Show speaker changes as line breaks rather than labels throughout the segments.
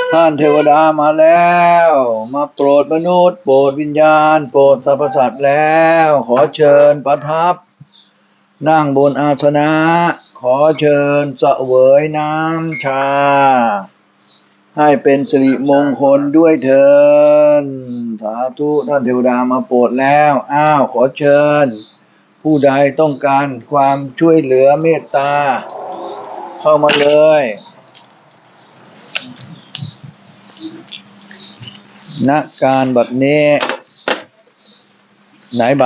ท่านเทวดามาแล้วมาโปรดมนุษย์โปรดวิญญาณโปรดสรรพสัตว์แล้วขอเชิญประทับนั่งบนอาสนะขอเชิญเสวยน้ำชาให้เป็นสิริมงคลด้วยเถิดสาธุท่านเทวดามาโปรดแล้วขอเชิญผู้ใดต้องการความช่วยเหลือเมตตาเข้ามาเลยณการบัดนี้ไหนใบ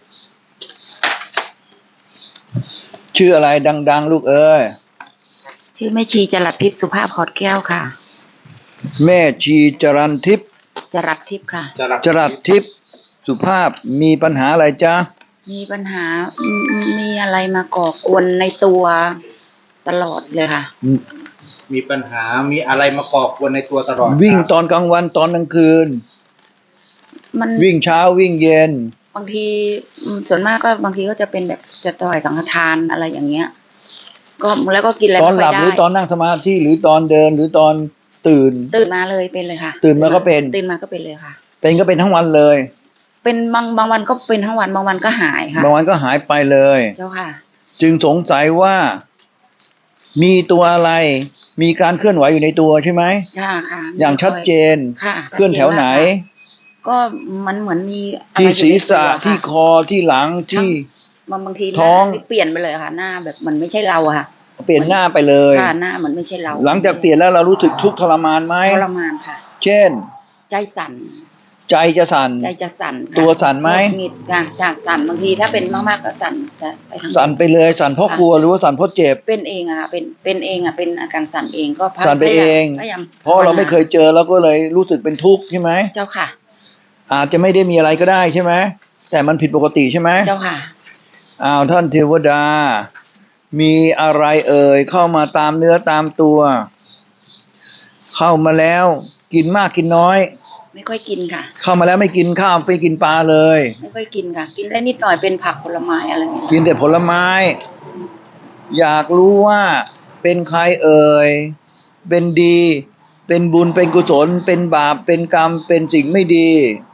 ชื่ออะไรดังๆลูกเอ้ย
ชื่อแม่ชีจรัสทิพย์สุภาพขอดแก้วค่ะ
แม่ชีจรัสทิพย์
จรัสทิพย์ค่ะ
จรัสทิพย์สุภาพมีปัญหาอะไรจ๊ะ
มีปัญหามีอะไรมาก่อกวนในตัวตลอดเลยค่ะ
มีปัญหามีอะไรมาก่อกวนในตัวตลอด
วิ่งตอนกลางวันตอนกลางคืนมันวิ่งเช้าวิ่งเย็น
บางทีส่วนมากก็บางทีก็จะเป็นแบบจะต่อยสังฆทานอะไรอย่างเงี้ยก็แล้วก็กินอะไร
ตอนหลับหรือตอนนั่งสมาธิหรือตอนเดินหรือตอนตื่น
มาเลยเป็นเลยค่ะ
ตื่นมาก็เป็น
เลยค่ะ
เป็นก็เป็นทั้งวันเลย
เป็นบางวันก็เป็นทั้งวันบางวันก็หายค่ะ
บางวันก็หายไปเลย
เจ้าค่ะ
จึงสงสัยว่ามีตัวอะไรมีการเคลื่อนไหวอยู่ในตัวใช่ไหม
ค่ะ
อย่างชัดเจนเคลื่อนแถวไหน
ก็มันเหมือนมี
ที่ศีรษะที่คอที่หลังที่
บางทีท้องเปลี่ยนไปเลยค่ะหน้าแบบมันไม่ใช่เราค่ะ
เปลี่ยนหน้าไปเลย
ค่ะหน้ามันไม่ใช่เรา
หลังจากเปลี่ยนแล้วเรารู้สึกทุกข์ทรมานไหม
ทรมานค่ะ
เช่น
ใจสั่น
ใจจะสั่นตัวสั่นไหม
หงิดค่ะจากสั่นบางทีถ้าเป็นมากๆก็สั่นจะไปทาง
สั่นไปเลยสั่นเพราะกลัวหรือว่าสั่นเพราะเจ็บ
เป็นเองค่ะเป็นเองเป็นอาการสั่นเองก็
สั่นไปเองเพราะเราไม่เคยเจอแล้วก็เลยรู้สึกเป็นทุกข์ใช่ไหม
เจ้าค่ะ
อาจจะไม่ได้มีอะไรก็ได้ใช่ไหมแต่มันผิดปกติใช่ไหม
เจ้าค่ะ
ท่านเทวดามีอะไรเข้ามาตามเนื้อตามตัวเข้ามาแล้วกินมากกินน้อย
ไม่ค่อยกินค่ะ
เข้ามาแล้วไม่กินข้าวไปกินปลาเลย
ไม่ค่อยกินค่ะกินได้นิดหน่อยเป็นผักผลไม้อะไรอย่างเงี้ย
กินแต่ผลไม้อยากรู้ว่าเป็นใครเป็นดีเป็นบุญเป็นกุศลเป็นบาปเป็นกรรมเป็นสิ่งไม่ดี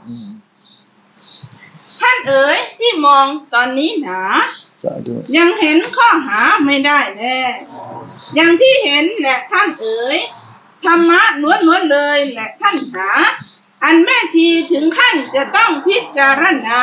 ท่านที่มองตอนนี้หนายังเห็นข้อหาไม่ได้แน่อย่างที่เห็นแหละท่านธรรมะล้วนๆเลยแหละท่านหาอันแม่ชีถึงขั้นจะต้องพิจาร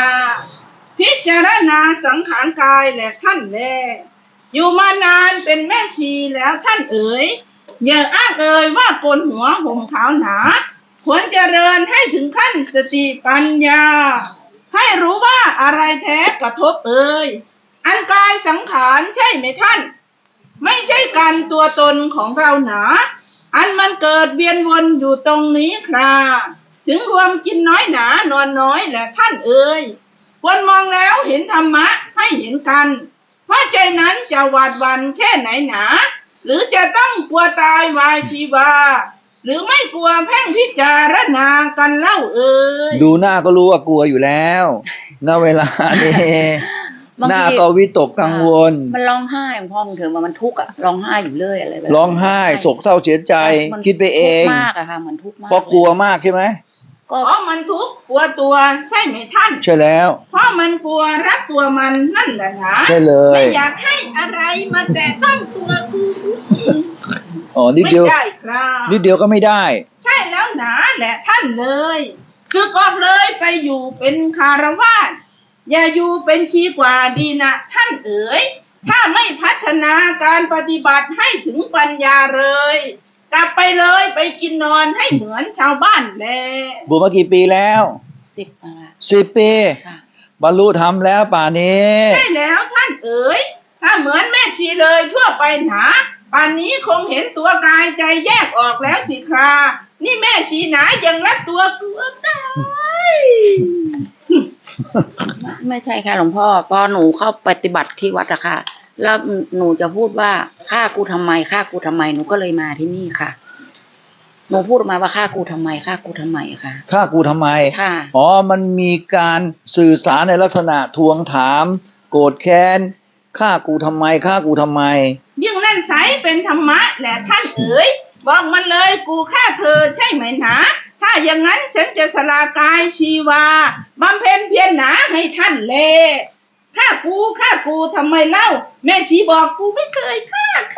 ณาสังขารกายแหละท่านแลอยู่มานานเป็นแม่ชีแล้วท่านอย่าอ้างว่าโกนหัวห่มขาวหนาควรเจริญให้ถึงขั้นสติปัญญาให้รู้ว่าอะไรแท้กระทบอันกายสังขารใช่ไหมท่านไม่ใช่การตัวตนของเราหนาอันมันเกิดเวียนวนอยู่ตรงนี้ครับถึงรวมกินน้อยหนานอนน้อยแหละท่านควรมองแล้วเห็นธรรมะให้เห็นกันเพราะใจนั้นจะหวาดหวั่นแค่ไหนหนาหรือจะต้องกลัวตายวายชีวาหรือไม่กลัวแพ่งพิจารณากันเล่า
ดูหน้าก็รู้ว่ากลัวอยู่แล้วณเวลานี้หน้าก็วิตกกังวล
มันร้องไห้พ่อมึงเถอะมันทุกข์ร้องไห้อยู่เรื่อยอะไรแบบ
ร้องไห้โศกเศร้าเสียใจคิดไปเอง
มากอะค่ะมันทุกข์มาก
เพราะกลัวมากใช่ไหม
ก็มันทุกข์กลัวตัวใช่ไหมท่าน
ใช่แล้ว
เพราะมันกลัวรักตัวมันนั่นแหละนะ
ใช่เลย
ไม่อยากให้อะไรมาแตะต้องตัวกู
นิดเดียวนิดเดียวก็ไม่ได้
ใช่แล้วหนาแหละท่านเลยสึกออกเลยไปอยู่เป็นคารวาสอย่าอยู่เป็นชีกว่าดีนะท่านถ้าไม่พัฒนาการปฏิบัติให้ถึงปัญญาเลยกลับไปเลยไปกินนอนให้เหมือนชาวบ้านแล
บวชมากี่ปีแล้ว10 ปีบรรลุธรรมแล้วป่านนี้
ใช่แล้วท่านถ้าเหมือนแม่ชีเลยทั่วไปหนาป่านนี้คงเห็นตัวกายใจแยกออกแล้วสิครานี่แม่ชีหนายังรักตัวกลัวตาย
ไม่ใช่ค่ะหลวงพ่อพอหนูเข้าปฏิบัติที่วัดอะค่ะแล้วหนูจะพูดว่าฆ่ากูทำไมหนูก็เลยมาที่นี่ค่ะหนูพูดออกมาว่าฆ่ากูทำไมค่ะฆ่ากูทำไม
ค่ะมันมีการสื่อสารในลักษณะทวงถามโกรธแค้นฆ่ากูทำไม
ยิ่งนั่นไสเป็นธรรมะแหละท่านบอกมันเลยกูฆ่าเธอใช่ไหมหนาถ้าอย่างนั้นฉันจะสละกายชีวาบำเพ็ญเพียรหนาให้ท่านแลฆ่ากูทำไมเล่าแม่ชีบอกกูไม่เคยฆ่าใคร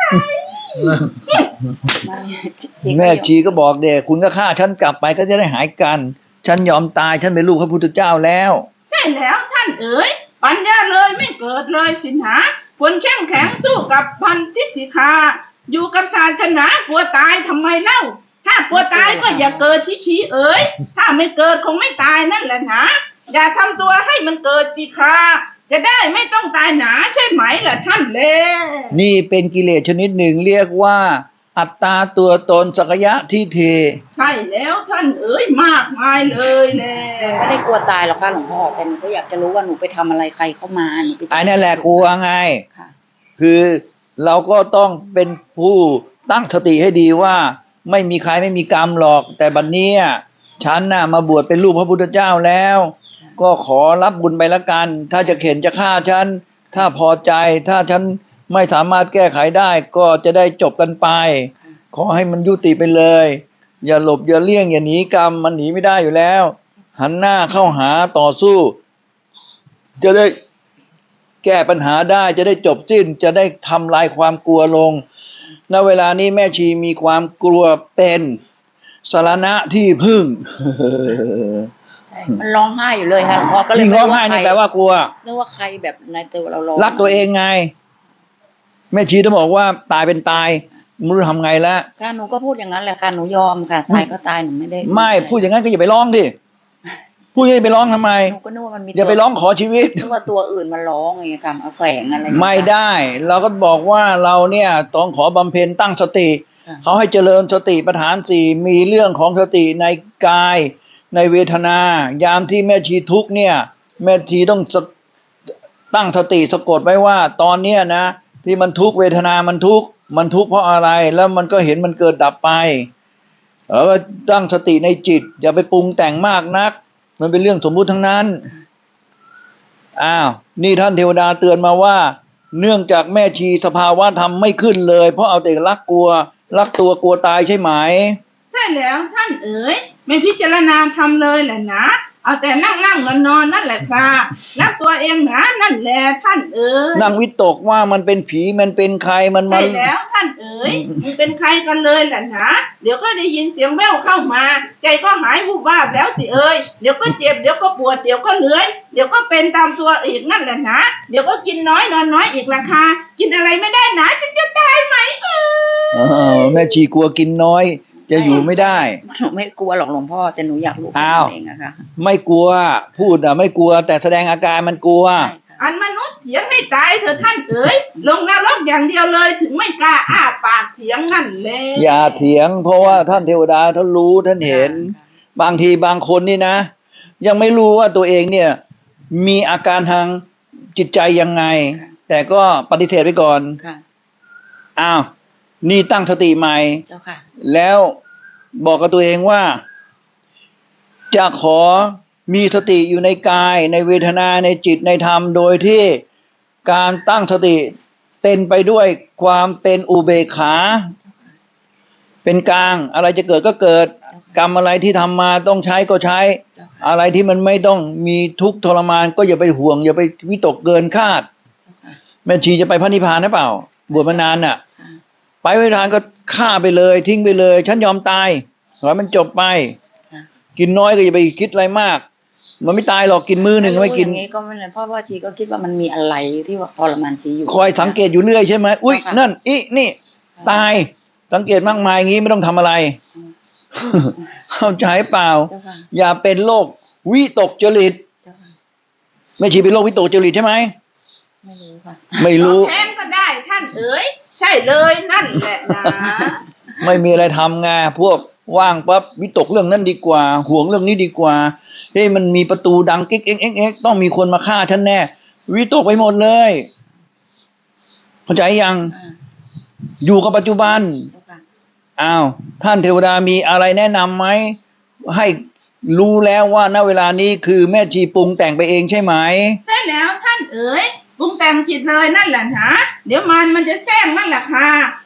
แม่ชีก็บอกเด็กคุณก็ฆ่าฉันกลับไปก็จะได้หายกัน ฉันยอมตายฉันเป็นลูกพระพุทธเจ้าแล้ว
ใช่แล้วท่านเอ๋ยปัญญาเลยไม่เกิดเลยสินหาควรเข้มแข็งสู้กับพันจิตติคาอยู่กับศาสนากลัวตายทำไมเล่าถ้ากลัวตายก็อย่าเกิดชี้เอ๋ยถ้าไม่เกิดคงไม่ตายนั่นแหละนะอย่าทำตัวให้มันเกิดสิคาจะได้ไม่ต้องตายหนาใช่ไหมล่ะท่านเล
นี่เป็นกิเลสชนิดหนึ่งเรียกว่า อัตตาตัวตนสักยะทิฏฐิ
ใช่แล้วท่านเอ๋ยมากมายเลยแหละ
ไม่ได้กลัวตายหรอกค่ะหลวงพ่อแต่หนูก็อยากจะรู้ว่าหนูไปทำอะไรใครเข้ามาหนูไป
ไอ้นั่นแหละกลัวไง
ค่ะ
คือเราก็ต้องเป็นผู้ตั้งสติให้ดีว่า ไม่มีใครไม่มีกรรมหรอก แต่บัดนี้ฉันน่ะมาบวชเป็นลูกพระพุทธเจ้าแล้ว ก็ขอรับบุญไปละกัน ถ้าจะเข็นจะฆ่าฉันถ้าพอใจถ้าฉันไม่สามารถแก้ไขได้ก็จะได้จบกันไป ขอให้มันยุติไปเลย อย่าหลบอย่าเลี่ยงอย่าหนีกรรมมันหนีไม่ได้อยู่แล้ว หันหน้าเข้าหาต่อสู้ จะได้แก้ปัญหาได้จะได้จบสิ้นจะได้ทำลายความกลัวลงณเวลานี้แม่ชีมีความกลัวเป็นสรณะที่พึ่ง
ใช่มันร้องไห้อยู่เลยค่ะหลวงพ่อก็เลย
ยิ่ง
ไม่
ร้องไห้นี่แปลว่ากลัว
นึกว่าใครแบบในตัวเราร้อง
รักตัวเองไง แม่ชีต้องบอกว่าตายเป็นตายไม่รู้ทำไงละ
ค่ะหนูก็พูดอย่างนั้นแหละค่ะหนูยอมค่ะตายก็ตายหนูไม่ได้
ไม่พูดอย่างนั้นก็อย่าไปร้องดิพูดอย่าไปร้องทำไม
หนูก็นึกว่ามันมี
อย่าไปร้องขอชีวิต
นึกว่าตัวอื่นมันร้องอย่างเงี้ยค่ะเอาแฝงอะไรอย่างเงี้ย
ไม่ได้ เราก็บอกว่าเราเนี่ยต้องขอบำเพ็ญตั้งสติ
ค่ะ
เขาให้เจริญสติปัฏฐานสี่มีเรื่องของสติในกายในเวทนา ยามที่แม่ชีทุกข์เนี่ย แม่ชีต้องตั้งสติสะกดไว้ว่า ตอนเนี้ยนะที่มันทุกข์เวทนามันทุกข์เพราะอะไร แล้วมันก็เห็นมันเกิดดับไปแล้วก็ตั้งสติในจิต อย่าไปปรุงแต่งมากนัก มันเป็นเรื่องสมมุติทั้งนั้นอ้าวนี่ท่านเทวดาเตือนมาว่า เนื่องจากแม่ชีสภาวะธรรมไม่ขึ้นเลย เพราะเอาแต่รักตัวกลัวตายใช่ไหม
ใช่แล้วท่านเอ๋ยไม่พิจารณาทำเลยแหละนะเอาแต่นั่งนอนนั่นแหละค่ะรักตัวเองนะนั่นแหละท่านเอ๋ย
นั่งวิตกว่ามันเป็นผีมันเป็นใครมัน
ใช่แล้วท่านเอ๋ยมึงเป็นใครกันเลยแหละนะเดี๋ยวก็ได้ยินเสียงแว่วเข้ามา ใจก็หายวูบวาบแล้วสิเอ๋ยเดี๋ยวก็เจ็บเดี๋ยวก็ปวดเดี๋ยวก็เหนื่อยเดี๋ยวก็เป็นตามตัวอีกนั่นแหละนะเดี๋ยวก็กินน้อยนอนน้อยอีกราคากินอะไรไม่ได้นะฉันจะตายไหม
แม่ชีกลัวกินน้อย จะอยู่ไม่ได้
หนูไม่กลัวหรอกหลวงพ่อแต่หนูอยากรู้
อ้าว
เองอะค่ะ
ไม่กลัวพูดไม่กลัว แต่แสดงอาการมันกลัว
ใช่ค่ะ
อันมนุษย์เถียงให้ตายเถอะท่านเอ๋ยลงนรกอย่างเดียวเลยถึงไม่กล้าอ้าปากเถียงนั่นแหละ
อย่าเถียง เพราะว่าท่านเทวดาท่านรู้ท่านเห็น บางทีบางคนนี่นะ ยังไม่รู้ว่าตัวเองเนี่ย มีอาการทางจิตใจยังไง แต่ก็ปฏิเสธไปก่อน
ค่ะ
อ้าวนี่ตั้งสติใหม่
เจ้าค่ะ
แล้วบอกกับตัวเองว่า จะขอมีสติอยู่ในกายในเวทนาในจิตในธรรมโดยที่การตั้งสติเป็นไปด้วยความเป็นอุเบกขา เป็นกลางอะไรจะเกิดก็เกิด กรรมอะไรที่ทำมาต้องใช้ก็ใช้
เจ้าค่ะ
อะไรที่มันไม่ต้องมีทุกข์ทรมานก็อย่าไปห่วง อย่าไปวิตกเกินคาด
เจ้าค่ะ
แม่ชีจะไปพระนิพพานหรือเปล่าบวชมานานน่ะ
ค่ะ
ไปพระนิพพานก็ฆ่าไปเลย ทิ้งไปเลย ฉันยอมตายขอให้มันจบไป
ค่ะ
กินน้อยก็อย่าไปคิดอะไรมาก มันไม่ตายหรอกกินมื้อหนึ่งไม่กิน
อย่างนี้ก็ไม่เลยเพราะว่าชีก็คิดว่ามันมีอะไรที่ว่าทรมานชีอยู่
คอยสังเกตอยู่เรื่อยใช่ไหมอุ้ย
ค่ะ
นั่นอีนี่ตายสังเกตมากมายอย่างนี้ไม่ต้องทำอะไร เข้าใจเปล่า
เจ้าค่ะ
อย่าเป็นโรควิตกจริต
เจ้าค่ะ
ไม่ชีเป็นโรควิตกจริตใช่ไหม
ไม่รู้ค่ะ
ไม่รู้
แทนก็ได้ท่านเอ๋ยใช่เลยนั่นแหละนะ
ไม่มีอะไรทำไงพวกว่างปั๊บวิตกเรื่องนั้นดีกว่า ห่วงเรื่องนี้ดีกว่าเฮ้ยมันมีประตูดังกิ๊กเอ็กเอ็กเอ็กต้องมีคนมาฆ่าฉันแน่วิตกไปหมดเลยเข้าใจยัง
อ่า
อยู่กับปัจจุบัน
เจ้าค่ะ
อ้าวท่านเทวดามีอะไรแนะนำไหมให้รู้แล้วว่าณเวลานี้คือแม่ชีปรุงแต่งไปเองใช่ไหม
ใช่แล้วท่านเอ๋ยปรุงแต่งจิตเลยนั่นแหละนะเดี๋ยวมันจะแซงนั่นแหละค่ะ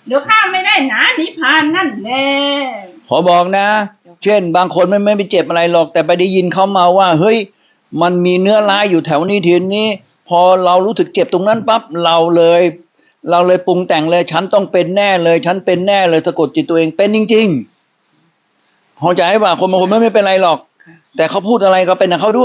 เดี๋ยวข้าไม่ได้หนานิพพานนั่นแหละ
ขอบอกนะ เช่น บางคนไม่ไปเจ็บอะไรหรอก แต่ไปได้ยินเขามาว่า เฮ้ย มันมีเนื้อร้ายอยู่แถวนี้ทีนี้ พอเรารู้สึกเจ็บตรงนั้นปั๊บเราเลยปรุงแต่งเลย ฉันต้องเป็นแน่เลย ฉันเป็นแน่เลยสะกดจิตตัวเองเป็นจริงๆพอใจป่ะคนบางคนไม่เป็นไรหรอก
ค่ะ
แต่เขาพูดอะไรก็เป็นกับเขาด้วย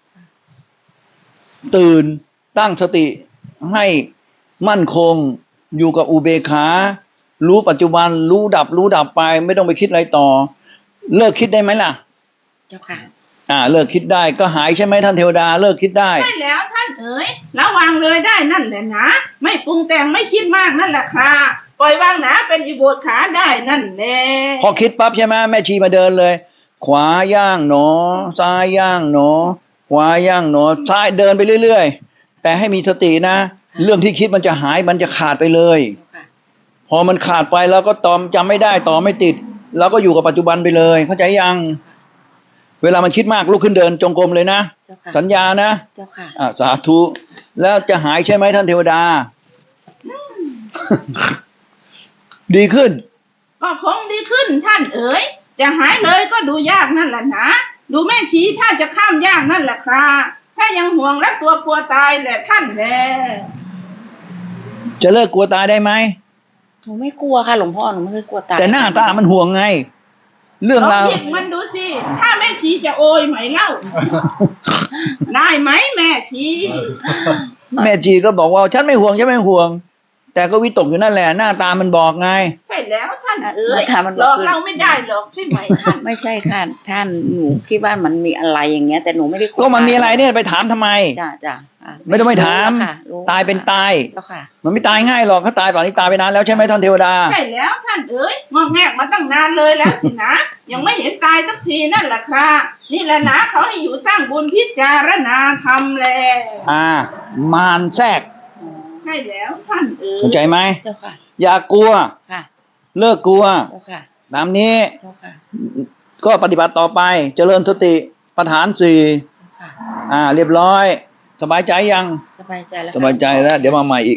ตื่นตั้งสติให้มั่นคงอยู่กับอุเบกขา รู้ปัจจุบันรู้ดับไป ไม่ต้องไปคิดอะไรต่อ เลิกคิดได้ไหมล่ะ
เจ้าค่ะ
เลิกคิดได้ก็หายใช่ไหมท่านเทวดาเลิกคิดได้
ใช่แล้วท่านเอ๋ยระวังเลยได้นั่นแหละนะไม่ปรุงแต่งไม่คิดมากนั่นแหละค่ะปล่อยวางหนาเป็นอิโบดขาได้นั่นแหละ
พอคิดปั๊บใช่ไหมแม่ชีมาเดินเลย ขวาย่างหนอ ซ้ายย่างหนอ ขวาย่างหนอซ้ายเดินไปเรื่อยๆแต่ให้มีสตินะ เรื่องที่คิดมันจะหายมันจะขาดไปเลย
เจ้าค่ะ
พอมันขาดไปแล้วก็ตอมจำไม่ได้ต่อไม่ติดเราก็อยู่กับปัจจุบันไปเลย เข้าใจยัง เวลามันคิดมากลุกขึ้นเดินจงกรมเลยนะ
เจ้าค่ะ
สัญญานะ
เจ้าค่ะ
สาธุแล้วจะหายใช่ไหมท่านเทวดา ดีขึ้น
ก็คงดีขึ้นท่านเอ๋ยจะหายเลยก็ดูยากนั่นแหละนะดูแม่ชีถ้าจะข้ามยากนั่นแหละค่ะถ้ายังห่วงและตัวกลัวตายแหละท่านแหละ
จะเลิกกลัวตายได้ไหม
หนูไม่กลัวค่ะหลวงพ่อหนูไม่เคยกลัวตาย
แต่หน้าตามันห่วงไง เรื่อง
ลอง
ราว
หยิบมันดูสิถ้าแม่ชีจะโอยไหมเล่า ได้ไหมแม่ชี
แม่จีก็บอกว่าฉันไม่ห่วงฉันไม่ห่วง แต่ก็วิตกอยู่นั่นแหละหน้าตามันบอกไง
ใช่แล้วท่านเอ๋ย
ค่ะมัน
หลอกเราไม่ได้หรอกใช่ไหมท่าน
ไม่ใช่ค่ะท่านหนูคิดว่ามันมีอะไรอย่างเงี้ย แต่หนูไม่ได้ลัว
ก็มันมีอะไรเนี่ยไปถามทำไม
จ้าจ้าอ่ะ
ไม่ต้องไปถาม
รู้ค่ะรู้
ตายเป็นตาย
เจ้าค่ะ
มันไม่ตายง่ายหรอกถ้าตายป่านนี้ตายไปนานแล้วใช่ไหมท่านเทวดา
ใช่แล้วท่านเอ๋ยงอกแงกมาตั้งนานเลยแล้วสินะ ยังไม่เห็นตายสักทีนั่นแหละค่ะนี่แหละนะเขาให้อยู่สร้างบุญพิจารณาธรรมแล
มารแทรก
ใช่แล้วท่านเอ๋ย
เข้าใจไหม
เจ้าค่ะ
อย่ากลัว
ค่ะ
เลิกกลัว
เจ้าค่ะ
ตามนี้
เจ้าค่ะ
ก็ปฏิบัติต่อไปเจริญสติปัฏฐานสี่
เจ้าค่ะ
เรียบร้อย สบายใจยัง
สบายใจแล้ว
สบายใจแล้ว เดี๋ยวมาใหม่อีก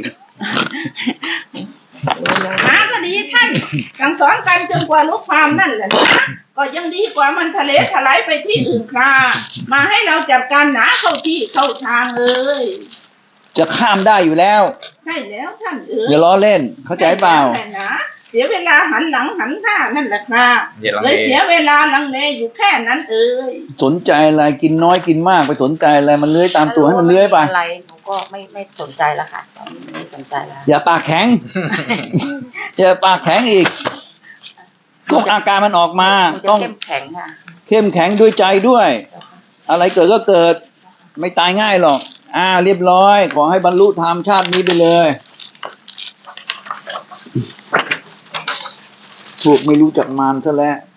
นะก็ดีท่านสั่งสอนกันจนกว่ารู้ความนั่นแหละนะก็ยังดีกว่ามันทะเลถลายไปที่อื่นค่ะมาให้เราจัดการหนาเข้าที่เข้าทางเลย
จะข้ามได้อยู่แล้ว
ใช่แล้วท่านเอ๋ย
อย่าล้อเล่น เข้าใจเปล่า
ใช่แล้วนะเสียเวลาหันหลังหันหน้านั่นแหละค่ะ
อย่าลัง
เล
เลย
เสียเวลาลังเลอยู่แค่นั้นเอ๋ย
สนใจอะไรกินน้อยกินมากไปสนใจอะไรมันเลื้อยตามตัวให้มันเลื้อยไป
อะไรหนูก็ไม่สนใจแล้วค่ะตอนนี้ไม่สนใจแล้ว
อย่าปากแข็ง อย่าปากแข็งอีกทุกอาการมันออกมา
หนูจะ
ต้อง
เข้มแข็งค่ะ
เข้มแข็งด้วยใจด้วย
เจ้าค่ะ
อะไรเกิดก็เกิด ไม่ตายง่ายหรอก เรียบร้อย ขอให้บรรลุธรรมชาตินี้ไปเลยพวกไม่รู้จักมารซะแล้ว